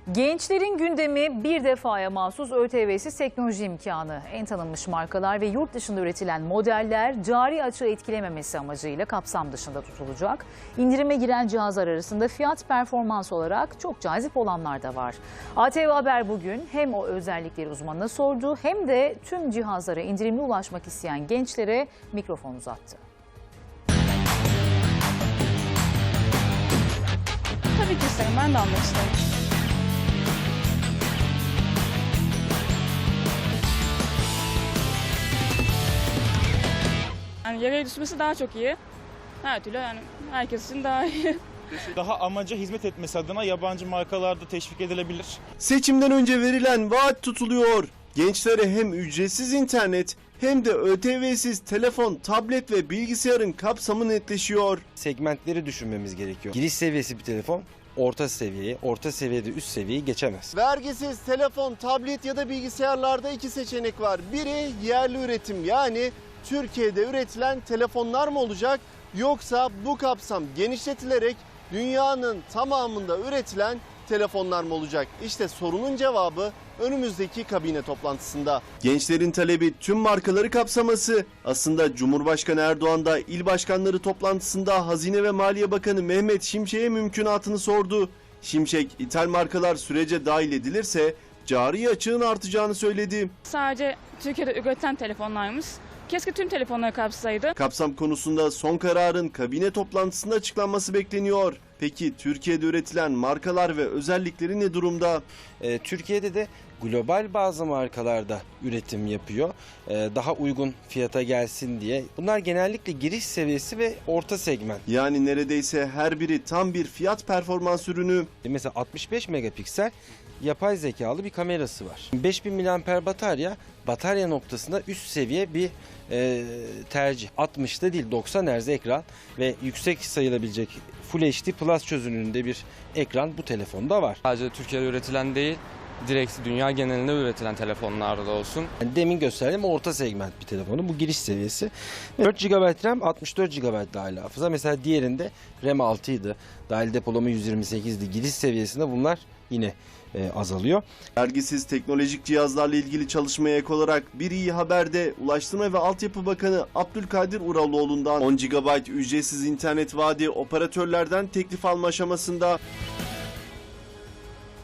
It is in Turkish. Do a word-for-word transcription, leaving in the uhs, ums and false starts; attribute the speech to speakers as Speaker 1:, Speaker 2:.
Speaker 1: Gençlerin gündemi bir defaya mahsus ÖTV'siz teknoloji imkanı. En tanınmış markalar ve yurt dışında üretilen modeller cari açığı etkilememesi amacıyla kapsam dışında tutulacak. İndirime giren cihazlar arasında fiyat performans olarak çok cazip olanlar da var. A T V Haber bugün hem o özellikleri uzmanına sordu hem de tüm cihazlara indirimli ulaşmak isteyen gençlere mikrofon uzattı.
Speaker 2: Tabii ki isterim. Ben de almak isterim. Yani yere düşmesi daha çok iyi. Her türlü yani herkes için daha iyi.
Speaker 3: Daha amaca hizmet etmesi adına yabancı markalarda teşvik edilebilir.
Speaker 4: Seçimden önce verilen vaat tutuluyor. Gençlere hem ücretsiz internet hem de ÖTV'siz telefon, tablet ve bilgisayarın kapsamı netleşiyor.
Speaker 5: Segmentleri düşünmemiz gerekiyor. Giriş seviyesi bir telefon orta seviyeyi, orta seviyede üst seviyeyi geçemez.
Speaker 4: Vergisiz telefon, tablet ya da bilgisayarlarda iki seçenek var. Biri yerli üretim, yani Türkiye'de üretilen telefonlar mı olacak, yoksa bu kapsam genişletilerek dünyanın tamamında üretilen telefonlar mı olacak? İşte sorunun cevabı önümüzdeki kabine toplantısında. Gençlerin talebi tüm markaları kapsaması. Aslında Cumhurbaşkanı Erdoğan da il başkanları toplantısında Hazine ve Maliye Bakanı Mehmet Şimşek'e mümkünatını sordu. Şimşek, ithal markalar sürece dahil edilirse cari açığın artacağını söyledi.
Speaker 2: Sadece Türkiye'de üretilen telefonlarmış. Keşke tüm telefonları kapsaydı.
Speaker 4: Kapsam konusunda son kararın kabine toplantısında açıklanması bekleniyor. Peki Türkiye'de üretilen markalar ve özellikleri ne durumda?
Speaker 5: Ee, Türkiye'de de global bazı markalarda üretim yapıyor. Ee, daha uygun fiyata gelsin diye. Bunlar genellikle giriş seviyesi ve orta segment.
Speaker 4: Yani neredeyse her biri tam bir fiyat performans ürünü.
Speaker 5: Mesela altmış beş megapiksel yapay zekalı bir kamerası var. beş bin miliamper batarya, batarya noktasında üst seviye bir e, tercih. altmışta değil doksan hertz ekran ve yüksek sayılabilecek Full H D Plus çözünürlüğünde bir ekran bu telefonda var.
Speaker 6: Sadece Türkiye'de üretilen değil, direkt dünya genelinde üretilen telefonlarda olsun.
Speaker 5: Yani demin gösterdiğim orta segment bir telefonu. Bu giriş seviyesi. dört gigabayt RAM, altmış dört gigabayt dahil hafıza. Mesela diğerinde RAM altı idi. Dahil depolama yüz yirmi sekizdi. Giriş seviyesinde bunlar yine e, azalıyor.
Speaker 4: Vergisiz teknolojik cihazlarla ilgili çalışmaya ek olarak bir iyi haber de Ulaştırma ve Altyapı Bakanı Abdülkadir Uraloğlu'ndan on gigabayt ücretsiz internet vaadi operatörlerden teklif alma aşamasında.